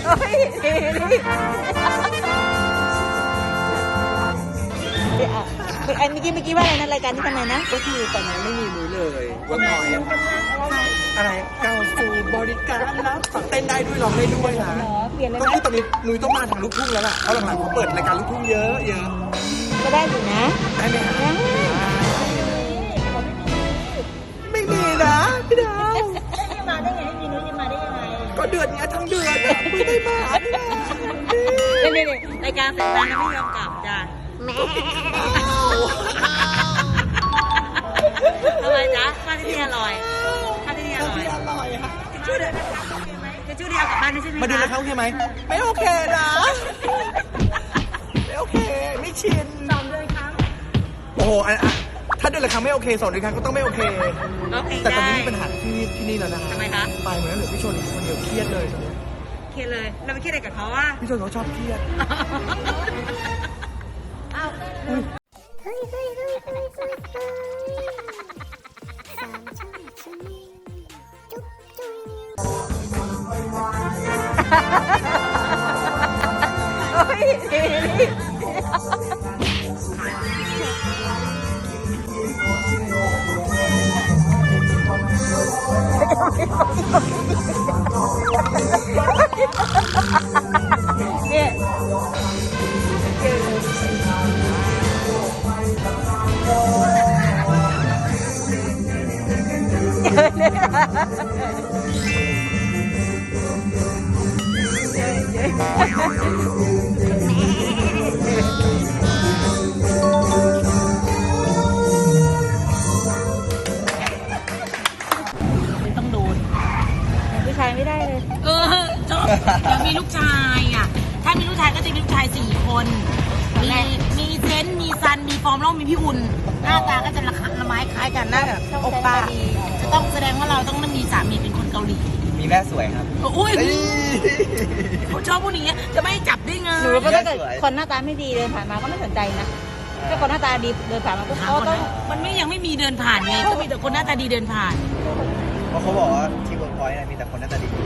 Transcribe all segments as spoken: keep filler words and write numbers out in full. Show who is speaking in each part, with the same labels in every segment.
Speaker 1: อันเมื่อกี้เมื่อกี้ว่าอะไรนะรายการที่ทำไมนะ
Speaker 2: ก็คือตอนนี้ไม่มีนุ้ยเลยว่าพอยอะไรก้าวสู่บริการรับฝักเต้นได้ด้วยร้องได้ด้วยนะก็คือตอนนี้นุ้ยต้องมาทางลูกทุ่งแล้วล่ะเพราะหลังๆเขาเปิดรายการลูกทุ่งเยอะเยอะ
Speaker 1: ก็ได้อยู่นะ
Speaker 2: ได้ไหมฮะไม่มีนะพี่ดาว
Speaker 1: จะมาได้ไงไม่มีนุ้ยจะมาได้ยังไง
Speaker 2: ก็เดือนนี้ทั้งเดือนไม่ได้มา
Speaker 1: นี่นี่รายการเสร็จแล้วนะไม่ยอมกลับจ้ะแม่ทำไมจ๊ะข้าวที่นี่อร่อยข้าวที่นี่อร่อย
Speaker 2: อร่อยค่ะ
Speaker 1: ชื่อเดียวจะชื่อเดียวกับบ้านนี่ใช่ไหม
Speaker 2: มาดูนะคะโอเคไหมไม่โอเคนะไม่โอเคไม่ชิน
Speaker 1: สองเดือนครั้ง
Speaker 2: โอ้โหถ้าเดือนละครั้งไม่โอเคสองเดือนครั้งก็ต้องไม่โอเคแต่ตอนนี้มีปัญหาที่ที่นี่แล้วนะ
Speaker 1: ทำไมคะ
Speaker 2: ไปเหมือนเหลือพี่ชนคนเดียวเครียดเลยตอนนี้
Speaker 1: เครียดเลยเราไปเครียดอะไรกับเขาว่า
Speaker 2: พี่ชนเขาชอบเครียด
Speaker 3: เฮ้ยเฮ้ยเฮ้ยเฮ้ยเฮ้ยเฮ้ยสามช่วยช่วยจุ๊บจุ๊บ
Speaker 1: โอ้ยเนี่ยต้องโดนผู้ชายไม่ได้เลยเออชอบอยากมีลูกชายอ่ะถ้ามีลูกชายก็จะมีลูกชายสี่คนมีมีเซนมีซันมีฟอร์มแล้วมีพี่อุ่นหน้าตาก็จะระคัละไม้คล้ายกันหน้าแบบโอป้าจะต้องแสดงว่าเราต้องมีสามีเป็นคนเกาหลี
Speaker 2: มีแม่สวยครับ
Speaker 1: อุ้ยเขาชอบผู้นี้จะไม่จับได้ไงหนูก็ถ้าเกิดคนหน้าตาไม่ดีเดินผ่านมาก็ไม่สนใจนะถ้าคนหน้าตาดีเดินผ่านมาก็เขาต้องมันไม่ยังไม่มีเดินผ่านไงก็มีแต่คนหน้าตาดีเดินผ่าน
Speaker 2: เพราะเขาบอกว่าที่เวิร์กพอยต์มีแต่คนหน้าตาดี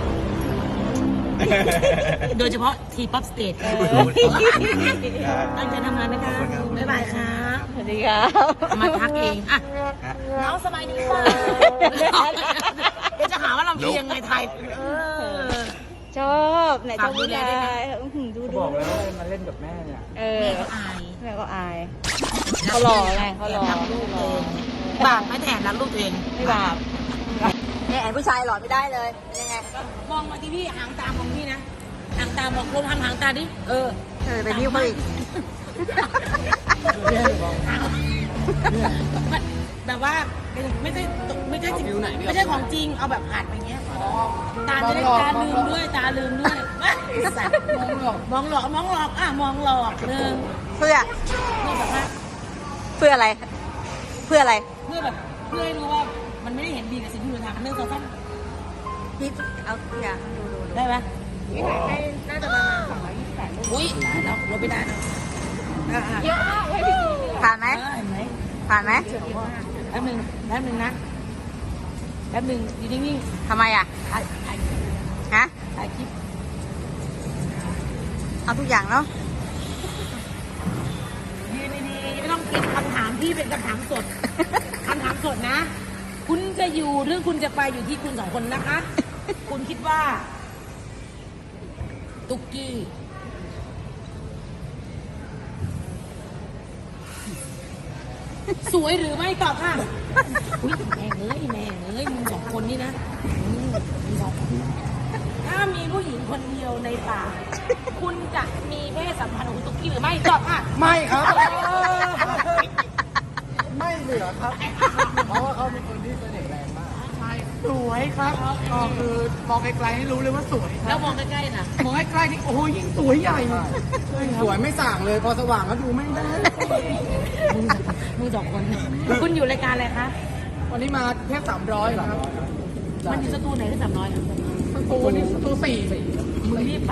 Speaker 1: โดยเฉพาะทีป๊อปสเตจตั้งใจทำงานนะคะบ๊ายบายครับสวัสดีครับมาทักเองอ่ะน้องสบายดีป่ะเดี๋ยวจะหาว่าเราเพียงไงไทยชอบไหนชอบดูแลดูดู
Speaker 2: บอกแล้วว่ามาเล่นกับแม่เนี่ย
Speaker 1: เอออายแม่ก็อายเขาหล่อไงเขาหล่อลูกเองบาปไม่แถมรักลูกเองไม่บาปเนี่ยไอ้ผู้ชายหล่อไม่ได้เลยยังไงมองมาที่พี่หางตามองพี่นะหางตามองลมทำหางตาดิเออเออไปนิ้วเขาอีกแบบว่าไม่ใช่ไม่ใช่จริงไม่ใช่ของจริงเอาแบบหัดอย่างเงี้ยตาจะได้ตาลืมด้วยตาลืมด้วยมองหลอกมองหลอกอ่ะมองหลอกหนึ่งเพื่อเพื่อแบบว่าเพื่ออะไรเพื่ออะไรเพื่อแบบเพื่อให้รู้ว่ามันไม่ได้เห็นดีกับสิ่งที่เราทำเรื่องโซเชียลพี่เอาตัวอย่างดูดูได้ไหมได้น่าจะประมาณสองร้อยยี่สิบแปดอุ้ยเราเราไปได้เยอะมากเลยผ่านไหมผ่านไหมแป๊บนึงแป๊บนึงนะแป๊บนึงอยู่นิ่งๆทำไมอ่ะถ่ายถ่ายฮะถ่ายคลิปเอาทุกอย่างเนาะยืนดีๆไม่ต้องคิดคำถามพี่เป็นคำถามสดคำถามสดนะคุณจะอยู่หรือคุณจะไปอยู่ที่คุณสองคนนะคะคุณคิดว่าตุ๊กกี้สวยหรือไม่ตอบค่ะอุ้ยแม่เอ้ยแม่เอ้ยมึงสองคนนี่นะมึงสองคนถ้ามีผู้หญิงคนเดียวในป่าคุณจะมีเพศสัมพันธ์กับตุ๊กกี้หรือไม่ตอบค่ะ
Speaker 2: ไม่ครับไม่เหลือครับเพราะว่าเขาเป็นคนที่เสน่ห์แรงมากใช่สวยครับก็คือมองไกลๆให้รู้เลยว่าสวย
Speaker 1: แล้วมองใกล้ๆนะ
Speaker 2: มองใกล้ๆนี่โอ้ยยิ่งสวยใหญ่สวยไม่ส่างเลยพอสว่างก็ดูไม่ได้
Speaker 1: มึงสองคนคุณอยู่รายการอะไรคะ
Speaker 2: วันนี้มาแค่สามร้อยเหรอครับ
Speaker 1: มันอยู่สตูไหนที่สามร้อย
Speaker 2: สตูนี่สตูสี่
Speaker 1: มึงรีบไป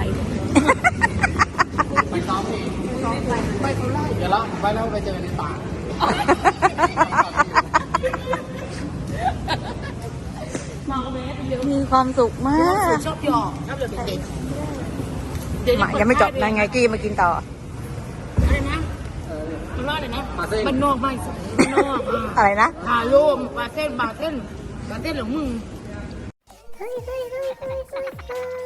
Speaker 2: ไปซ้อมเองไปเขาไล่เดี๋ยวเราไปแล้วไปเจอในป่า
Speaker 1: มีความสุขมาก
Speaker 2: ชอบหยอกชอบหยอกเด็ก
Speaker 1: เดี๋ยวจะ
Speaker 4: มายังไม่จบนายไงกี้มากินต่อ
Speaker 1: อะไรนะมันว่าอะไรนะมันนอกไม่สวยมันนอกอ่ะ
Speaker 4: อะไรนะ
Speaker 1: ฮาโลมปลาเส้นปลาเส้นปลาเส้นหรือมึง
Speaker 3: เฮ้ยเฮ้ยเฮ้ยเฮ้ยเฮ้ยเฮ้ย